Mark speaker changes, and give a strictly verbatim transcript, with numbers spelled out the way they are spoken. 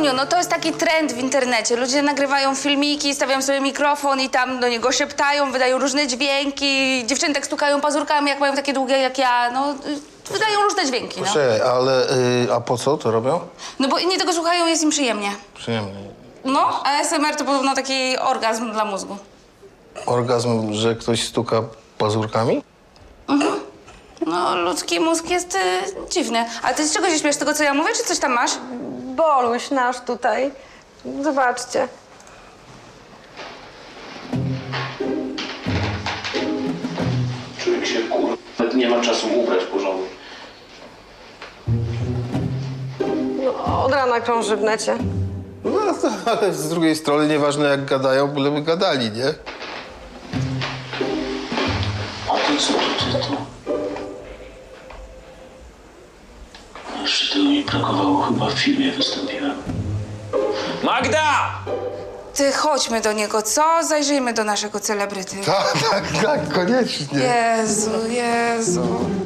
Speaker 1: Muniu, no to jest taki trend w internecie. Ludzie nagrywają filmiki, stawiają sobie mikrofon i tam do niego szeptają, wydają różne dźwięki. Dziewczyny tak stukają pazurkami, jak mają takie długie jak ja. No, y, wydają różne dźwięki, no.
Speaker 2: Proszę, ale y, a po co to robią?
Speaker 1: No bo inni tego słuchają, jest im przyjemnie.
Speaker 2: Przyjemnie.
Speaker 1: No, a S M R to podobno taki orgazm dla mózgu.
Speaker 2: Orgazm, że ktoś stuka pazurkami?
Speaker 1: No, ludzki mózg jest y, dziwny. Ale ty z czego się śmiesz? Tego, co ja mówię, czy coś tam masz?
Speaker 3: Boluś nasz tutaj. Zobaczcie.
Speaker 4: Człowiek się kur... Nawet nie ma czasu ubrać porządnie.
Speaker 3: No, od rana krąży w necie.
Speaker 2: No, to, ale z drugiej strony nieważne jak gadają, byleby gadali, nie?
Speaker 4: A to co to, to, to? Jeszcze tego mi brakowało, chyba w filmie wystąpiłem. Magda!
Speaker 1: Ty, chodźmy do niego, co? Zajrzyjmy do naszego celebryty.
Speaker 2: Tak, tak, tak, koniecznie.
Speaker 1: Jezu, Jezu.